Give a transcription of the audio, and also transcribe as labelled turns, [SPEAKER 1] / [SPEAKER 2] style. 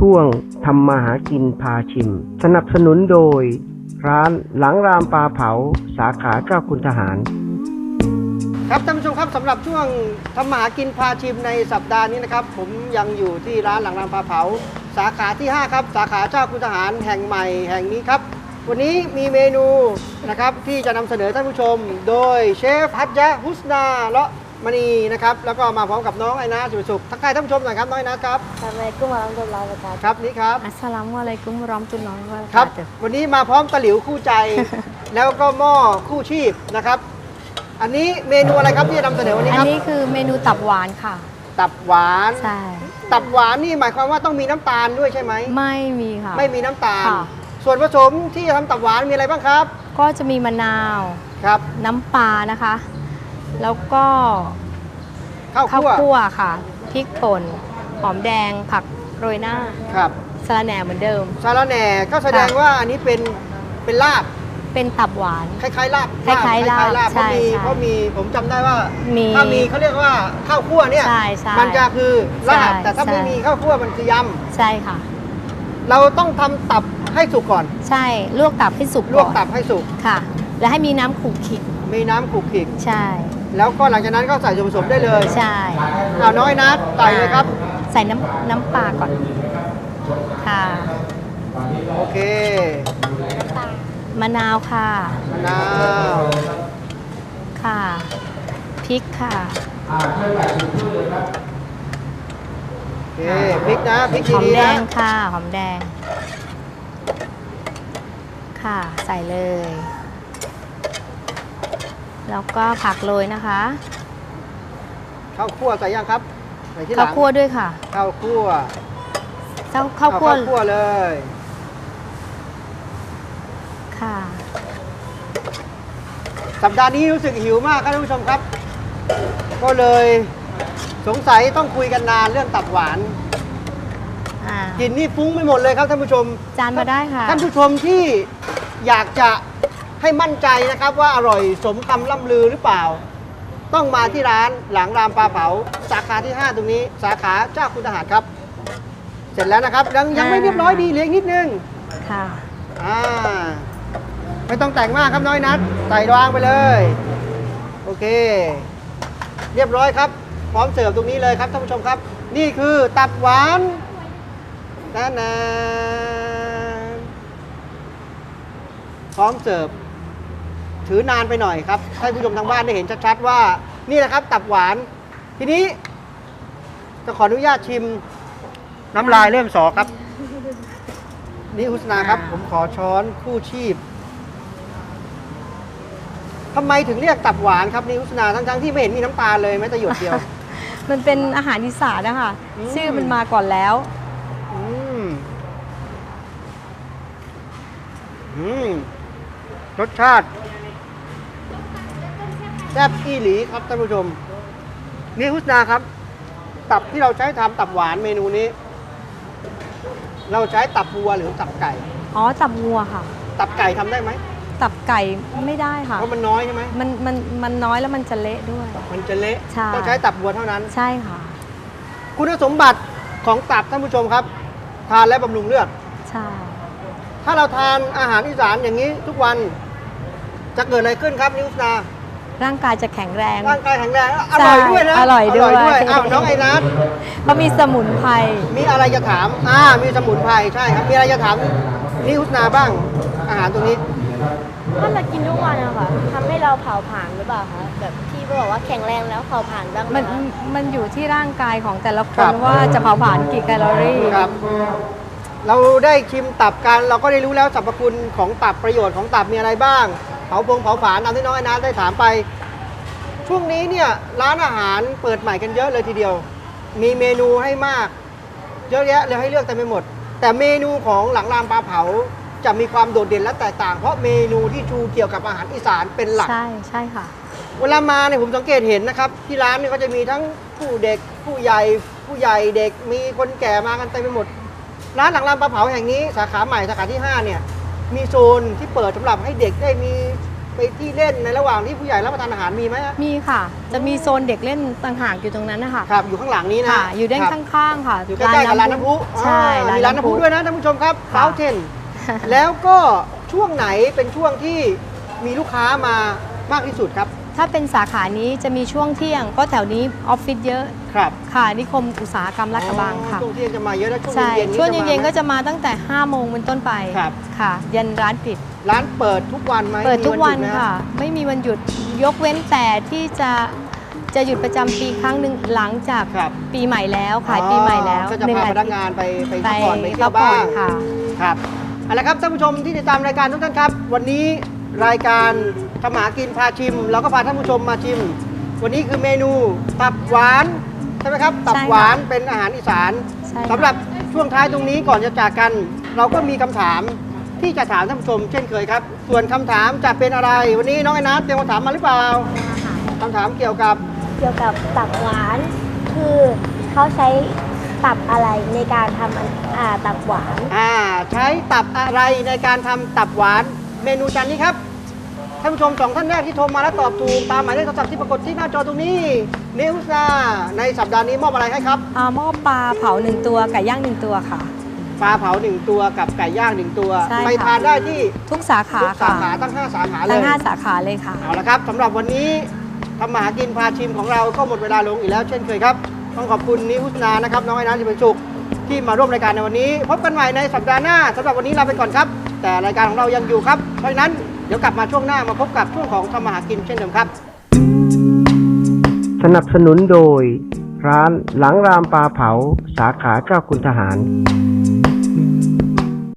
[SPEAKER 1] ช่วงทำมาหากินพาชิมสนับสนุนโดยร้านหลังรามปลาเผาสาขาเจ้าคุณทหารครับท่านผู้ชมครับสำหรับช่วงทำมาหากินพาชิมในสัปดาห์นี้นะครับผมยังอยู่ที่ร้านหลังรามปลาเผาสาขาที่5ครับสาขาเจ้าคุณทหารแห่งใหม่แห่งนี้ครับวันนี้มีเมนูนะครับที่จะนำเสนอท่านผู้ชมโดยเชฟฮัจญะฮุสนาเลาะมณีนะครับแล้วก็มาพร้อมกับน้องไอนาสุสุขทักทายท่านผู้ชมหน่อยครับน้องไอนาครับ
[SPEAKER 2] Assalamualaikum warahmatullahi wabarakatuh
[SPEAKER 1] ครับนี่ครับ
[SPEAKER 2] Assalamualaikum warahmatullahi
[SPEAKER 1] ครับ
[SPEAKER 2] wabarakatuh
[SPEAKER 1] วันนี้มาพร้อมตะหลิวคู่ใจ แล้วก็หม้อคู่ชีพนะครับอันนี้เมนูอะไรครับที่จะนำเสนอวันนี้
[SPEAKER 2] อัน
[SPEAKER 1] ครับ
[SPEAKER 2] นี้คือเมนูตับหวานค่ะ
[SPEAKER 1] ตับหวาน
[SPEAKER 2] ใช่
[SPEAKER 1] ตับหวานนี่หมายความว่าต้องมีน้ำตาลด้วยใช่ไหม
[SPEAKER 2] ไม่มีค่ะ
[SPEAKER 1] ไม่มีน้ำตาล
[SPEAKER 2] ค่ะ
[SPEAKER 1] ส่วนผสมที่จะทำตับหวานมีอะไรบ้างครับ
[SPEAKER 2] ก็จะมีมะนาว
[SPEAKER 1] ครับ
[SPEAKER 2] น้ำปลานะคะ แล้วก็
[SPEAKER 1] ข้าว
[SPEAKER 2] ข้าว
[SPEAKER 1] คั่ว
[SPEAKER 2] คั่วค่ะพริกป่นหอมแดงผักโรยหน้า
[SPEAKER 1] ครับ
[SPEAKER 2] สะระแหน่เหมือนเดิม
[SPEAKER 1] สาระแหน่ก็แสดง
[SPEAKER 2] ค่ะ
[SPEAKER 1] ว่าอันนี้เป็นลาบ
[SPEAKER 2] เป็นตับหวาน
[SPEAKER 1] คล้ายๆลาบ
[SPEAKER 2] คล้ายๆลาบ
[SPEAKER 1] เพราะ
[SPEAKER 2] ใช่
[SPEAKER 1] มี
[SPEAKER 2] ใช่
[SPEAKER 1] เพราะมีผมจำได้ว่า
[SPEAKER 2] มี
[SPEAKER 1] ถ้ามีเขาเรียกว่าข้าวคั่วเนี่ย
[SPEAKER 2] ใช่ใช่
[SPEAKER 1] มันจะคือลาบ
[SPEAKER 2] ใช่
[SPEAKER 1] แต่ถ้าไม่
[SPEAKER 2] ใช่
[SPEAKER 1] มีข้าวคั่วมันคือยำ
[SPEAKER 2] ใช่ค่ะ
[SPEAKER 1] เราต้องทำตับให้สุกก่อน
[SPEAKER 2] ใช่ลวกตับให้สุก
[SPEAKER 1] ลวก
[SPEAKER 2] อน
[SPEAKER 1] ตับให้สุก
[SPEAKER 2] ค่ะ แล้วให้มีน้ำขูดขิด
[SPEAKER 1] มีน้ำขลุกขลิก
[SPEAKER 2] ใช่
[SPEAKER 1] แล้วก็หลังจากนั้นก็ใส่ส่วนผสมได้เลย
[SPEAKER 2] ใช่
[SPEAKER 1] เอาน้อยนัดใส่เลยครับ
[SPEAKER 2] ใส่น้ำปลาก่อน ค่ะ
[SPEAKER 1] โอเค
[SPEAKER 2] มะนาวค่ะ
[SPEAKER 1] มะนาว
[SPEAKER 2] ค่ะ พริกค่ะ
[SPEAKER 1] โอเคพริกนะพริก
[SPEAKER 2] หอม
[SPEAKER 1] ดี
[SPEAKER 2] แด
[SPEAKER 1] ๆนะ
[SPEAKER 2] งค่ะ หอมแดง ค่ะ ใส่เลย แล้วก็ผักโรยนะคะ
[SPEAKER 1] ข้าวคั่วใส่ยังครับใส่ที่หลั
[SPEAKER 2] ข้าว
[SPEAKER 1] ง
[SPEAKER 2] คั่วด้วยค่ะ
[SPEAKER 1] ข้าวคั่ว
[SPEAKER 2] ข้าวคั่ว
[SPEAKER 1] เอาข้าวคั่วเลย
[SPEAKER 2] ค่ะ
[SPEAKER 1] สัปดาห์นี้รู้สึกหิวมากครับท่านผู้ชมครับ ก็เลยสงสัยต้องคุยกันนานเรื่องตับหวาน
[SPEAKER 2] อ่า
[SPEAKER 1] กลิ่นนี่ฟุ้งไปหมดเลยครับท่านผู้ชม
[SPEAKER 2] จานมาได้ค่ะ
[SPEAKER 1] ท่านผู้ชมที่อยากจะให้มั่นใจนะครับว่าอร่อยสมคำล่ำลือหรือเปล่า ต้องมาที่ร้านหลังรามปลาเผาสาขาที่ 5 ตรงนี้ สาขาเจ้าคุณทหารครับ เสร็จแล้วนะครับยังไม่เรียบร้อยดีเหลืออีกนิดนึง
[SPEAKER 2] ค่ะ
[SPEAKER 1] ไม่ต้องแต่งมากครับน้อยนัดใส่วางไปเลยโอเค เรียบร้อยครับพร้อมเสิร์ฟตรงนี้เลยครับท่านผู้ชมครับ นี่คือตับหวานนะพร้อมเสิร์ฟถือนานไปหน่อยครับให้ผู้ชมทางบ้านได้เห็นชัดๆว่านี่แหละครับตับหวาน ทีนี้จะขออนุญาตชิมน้ำลายเริ่มสอครับ นี่อุสนาครับ ผมขอช้อนคู่ชีพทำไมถึงเรียกตับหวานครับนี่อุสนาทั้งๆที่ไม่เห็นมีน้ำตาลเลยแม้แต่หยดเดียว
[SPEAKER 2] มันเป็นอาหารอีสานนะคะ ชื่อมันมาก่อนแล้ว
[SPEAKER 1] อืมรสชาติแซ่บอีหลีครับท่านผู้ชมนี่อุสนาครับ ตับที่เราใช้ทำตับหวานเมนูนี้ เราใช้ตับวัวหรือตับไก่
[SPEAKER 2] อ๋อ ตับงัวค่ะ
[SPEAKER 1] ตับไก่ทำได้ไหม
[SPEAKER 2] ตับไก่ไม่ได้ค่ะ
[SPEAKER 1] เพราะมันน้อยใช่ไหม
[SPEAKER 2] มันน้อยแล้วมันจะเละด้วย
[SPEAKER 1] มันจะเละ
[SPEAKER 2] ใช่
[SPEAKER 1] ต้องใช้ตับวัวเท่านั้น
[SPEAKER 2] ใช่ค่ะ
[SPEAKER 1] คุณสมบัติของตับท่านผู้ชมครับ ทานและบำรุงเลือด
[SPEAKER 2] ใช่
[SPEAKER 1] ถ้าเราทานอาหารอีสานอย่างนี้ทุกวันจะเกิดอะไรขึ้นครับนิวสนา
[SPEAKER 2] ร่างกายจะแข็งแรง
[SPEAKER 1] ร่างกายแข็งแรงอร่อยด้วยนะ
[SPEAKER 2] อร่อยด้วย
[SPEAKER 1] อ้าวน้องไอนัท
[SPEAKER 2] เพราะมีสมุนไพร
[SPEAKER 1] มีอะไรจะถามมีสมุนไพรใช่ครับมีอะไรจะถามนิวสนาบ้างอาหารตรงนี้
[SPEAKER 3] ถ้าเรากินทุกวันอะค่ะทำให้เราเผาผลาญหรือเปล่าคะแบบที่บอกว่าแข็งแรงแล้วเผาผลาญบ้างไหม
[SPEAKER 2] มัน
[SPEAKER 3] คะ
[SPEAKER 2] มันอยู่ที่ร่างกายของแต่ละค
[SPEAKER 1] ครั
[SPEAKER 2] น
[SPEAKER 1] บ
[SPEAKER 2] ว่าจะเผาผลาญกี่แคลอรี่
[SPEAKER 1] ครับ เราได้ชิมตับกันเราก็ได้รู้แล้วสรรพคุณของตับประโยชน์ของตับมีอะไรบ้างเผาผลาญตามที่น้องไอ้นัทได้ถามไป ช่วงนี้เนี่ยร้านอาหารเปิดใหม่กันเยอะเลยทีเดียว มีเมนูให้มาก เยอะแยะเลยให้เลือกเต็มไปหมด แต่เมนูของหลังรามปลาเผาจะมีความโดดเด่นและแตกต่าง เพราะเมนูที่ชูเกี่ยวกับอาหารอีสานเป็นหลัก
[SPEAKER 2] ใช่ใช่ค่ะ
[SPEAKER 1] เวลามาเนี่ยผมสังเกตเห็นนะครับที่ร้านเนี่ยก็จะมีทั้งผู้เด็กผู้ใหญ่เด็กมีคนแก่มากันเต็มไปหมด ร้านหลังรามปลาเผาแห่งนี้สาขาใหม่สาขาที่ 5 เนี่ยมีโซนที่เปิดสำหรับให้เด็กได้มีไปที่เล่นในระหว่างที่ผู้ใหญ่รับประทานอาหารมีไหมฮะ
[SPEAKER 2] มีค่ะ จะมีโซนเด็กเล่นต่างหากอยู่ตรงนั้นนะคะ
[SPEAKER 1] ครับอยู่ข้างหลังนี้นะ
[SPEAKER 2] ค่ะ อยู่ด้าน
[SPEAKER 1] ครับ
[SPEAKER 2] ข้างๆค่ะ
[SPEAKER 1] อยู่ใกล้ๆกับร้านน้ำพุ
[SPEAKER 2] ใช่
[SPEAKER 1] มีร้านน้ำพุด้วยนะท่านผู้ชมครับ
[SPEAKER 2] ค่ะ
[SPEAKER 1] เฟาเทน แล้วก็ช่วงไหนเป็นช่วงที่มีลูกค้ามามากที่สุดครับ
[SPEAKER 2] ถ้าเป็นสาขานี้จะมีช่วงเที่ยงเพราะแถวนี้ออฟฟิศเยอะ
[SPEAKER 1] ครับ
[SPEAKER 2] ค่ะนิคมอุตสาหกรรมลาดกระบังค่ะ
[SPEAKER 1] ช่วงเที่ยงจะมาเยอะแล้วช่วง
[SPEAKER 2] ใช่
[SPEAKER 1] เย็นๆ
[SPEAKER 2] ช่วงเย็นๆก็
[SPEAKER 1] จะ
[SPEAKER 2] จะมาตั้งแต่5โมงเป็นต้นไป
[SPEAKER 1] ครับ
[SPEAKER 2] ค่ะ ยันร้านปิด
[SPEAKER 1] ร้านเปิดทุกวันไหม
[SPEAKER 2] เปิดทุกวัน
[SPEAKER 1] มีหยุดไหม
[SPEAKER 2] ค่ะ ไม่มีวันหยุดยกเว้นแต่ที่จะหยุดประจำปีครั้งหนึ่งหลังจาก
[SPEAKER 1] ครับ
[SPEAKER 2] ปีใหม่แล้วขายปีใหม่แล้ว
[SPEAKER 1] ก็จะพาพนักงานไปพักผ่อนไปเที่
[SPEAKER 2] พั
[SPEAKER 1] ย
[SPEAKER 2] ก
[SPEAKER 1] ว
[SPEAKER 2] ผ่
[SPEAKER 1] บ้า
[SPEAKER 2] อน
[SPEAKER 1] ง
[SPEAKER 2] ค่ะ
[SPEAKER 1] ครับเอาละครับท่านผู้ชมที่ติดตามรายการทุกท่านครับ วันนี้รายการทำหากินพาชิมเราก็พาท่านผู้ชมมาชิม วันนี้คือเมนูตับหวานใช่ไหมครับตับหวานเป็นอาหารอีสาน
[SPEAKER 2] ใช่ค่ะ
[SPEAKER 1] สำหรับช่วงท้ายตรงนี้ก่อนจะจากกัน เราก็มีคำถามที่จะถามท่านผู้ชมเช่นเคยครับ ส่วนคำถามจะเป็นอะไร วันนี้น้องไอ้นัทเตรียมคำถามมาหรือเปล่าคำถามเกี่ยวกับ
[SPEAKER 3] เกี่ยวกับตับหวาน คือเขาใช้ตับอะไรในการทำตับหวาน
[SPEAKER 1] ใช้ตับอะไรในการทำตับหวานเมนูจานนี้ครับท่านผู้ชมสองท่านแรกที่โทรมาแล้วตอบถูกตามหมายเลขโทรศัพท์ที่ปรากฏที่หน้าจอตรงนี้นิวซ่าในสัปดาห์นี้มอบอะไรให้ครับ
[SPEAKER 2] หม้อปลาเผา1ตัวไก่ย่าง1ตัวค่ะ
[SPEAKER 1] ปลาเผา1ตัวกับไก่ย่าง1ตัว
[SPEAKER 2] ใช่ค่ะ
[SPEAKER 1] ไปทานได้ที่
[SPEAKER 2] ทุกสาขา
[SPEAKER 1] ทุกสา
[SPEAKER 2] ค่ะ
[SPEAKER 1] ขาตั้ง5สาขาเล
[SPEAKER 2] ทั้
[SPEAKER 1] ย
[SPEAKER 2] ง5สาขาเลยค่ะ
[SPEAKER 1] เอาละครับสำหรับวันนี้ทำมาหากินพาชิมของเราก็หมดเวลาลงอีกแล้วเช่นเคยครับต้องขอบคุณนิวนานะครับน้องไอ้น้ำที่เป็นสุขที่มาร่วมรายการในวันนี้ พบกันใหม่ในสัปดาห์หน้าสำหรับวันนี้ลาไปก่อนครับ แต่รายการของเรายังอยู่ครับเพราะฉะนั้นเดี๋ยวกลับมาช่วงหน้ามาพบกับช่วงของทำมาหากินเช่นเดิมครับ
[SPEAKER 4] สนับสนุนโดย ร้านหลังรามปลาเผาสาขาเจ้าคุณทหาร